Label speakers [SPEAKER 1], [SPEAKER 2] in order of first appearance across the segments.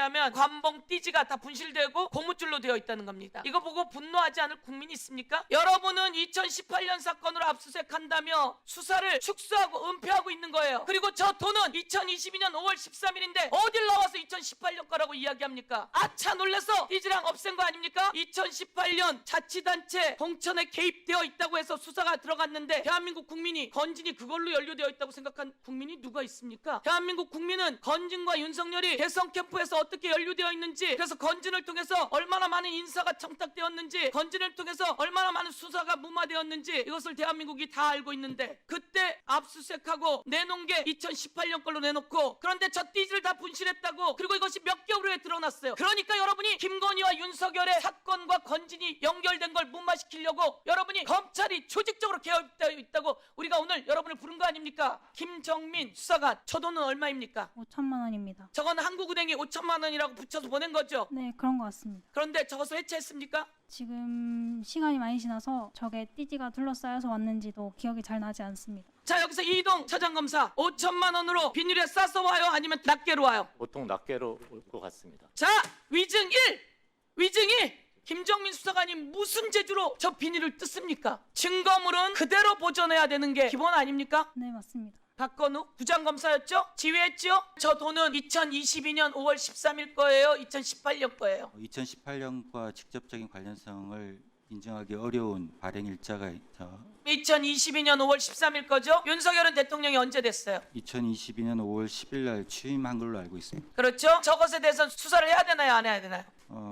[SPEAKER 1] 하면 관봉 띠지가 다 분실되고 고무줄로 되어 있다는 겁니다. 이거 보고 분노하지 않을 국민이 있습니까? 여러분은 2018년 사건으로 압수수색한다며 수사를 축소하고 은폐하고 있는 거예요. 그리고 저 돈은 2022년 5월 13일인데 어딜 나와서 2018년 거라고 이야기합니까? 아차 놀라서 띠지랑 없앤 거 아닙니까? 2018년 자치단체 공천에 개입되어 있다고 해서 수사가 들어갔는데 대한민국 국민이 건진이 그걸로 연루되어 있다고 생각한 국민이 누가 있습니까? 대한민국 국민은 건진과 윤석열이 대선 캠프에서 어떻게 연루되어 있는지, 그래서 건진을 통해서 얼마나 많은 인사가 청탁되었는지, 건진을 통해서 얼마나 많은 수사가 무마되었는지 이것을 대한민국이 다 알고 있는데, 그때 압수수색하고 내놓은 게 2018년 걸로 내놓고, 그런데 저 띠지를 다 분실했다고. 그리고 이것이 몇 개월 후에 드러났어요. 그러니까 여러분이 김건희와 윤석열의 사건과 건진이 연결된 걸 무마시키려고 여러분이 검찰이 조직적으로 개입되어 있다고 우리가 오늘 여러분을 부른 거 아닙니까? 김정민 수사관, 저 돈은 얼마입니까?
[SPEAKER 2] 5천만 원입니다.
[SPEAKER 1] 저건 한국은행이 5천만 원이라고 붙여서 보낸 거죠.
[SPEAKER 2] 네, 그런 것 같습니다.
[SPEAKER 1] 그런데 저것을 해체했습니까?
[SPEAKER 2] 지금 시간이 많이 지나서 저게 띠지가 둘러싸여서 왔는지도 기억이 잘 나지 않습니다.
[SPEAKER 1] 자, 여기서 이동 차장검사 5천만 원으로 비닐에 싸서 와요? 아니면 낱개로 와요?
[SPEAKER 3] 보통 낱개로 올 것 같습니다.
[SPEAKER 1] 자, 위증 1! 위증 2! 김정민 수사관이 무슨 재주로 저 비닐을 뜯습니까? 증거물은 그대로 보존해야 되는 게 기본 아닙니까?
[SPEAKER 2] 네, 맞습니다.
[SPEAKER 1] 박건우 부장검사였죠? 지휘했죠? 저 돈은 2022년 5월 13일 거예요? 2018년 거예요?
[SPEAKER 4] 2018년과 직접적인 관련성을 인정하기 어려운 발행 일자가 있죠.
[SPEAKER 1] 2022년 5월 13일 거죠? 윤석열은 대통령이 언제 됐어요?
[SPEAKER 4] 2022년 5월 10일 날 취임한 걸로 알고 있습니다.
[SPEAKER 1] 그렇죠? 저것에 대해서 수사를 해야 되나요? 안 해야 되나요?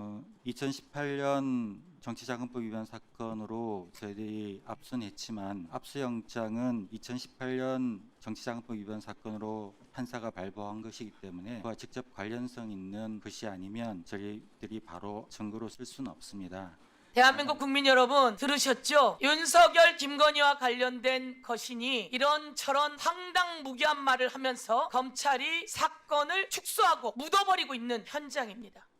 [SPEAKER 4] 2018년 정치자금법 위반 사건으로 저희들이 압수했지만 압수영장은 2018년 정치자금법 위반 사건으로 판사가 발부한 것이기 때문에 그와 직접 관련성 있는 것이 아니면 저희들이 바로 증거로 쓸 수는 없습니다.
[SPEAKER 1] 대한민국 국민 여러분 들으셨죠? 윤석열, 김건희와 관련된 것이니 이런저런 황당무계한 말을 하면서 검찰이 사건을 축소하고 묻어버리고 있는 현장입니다.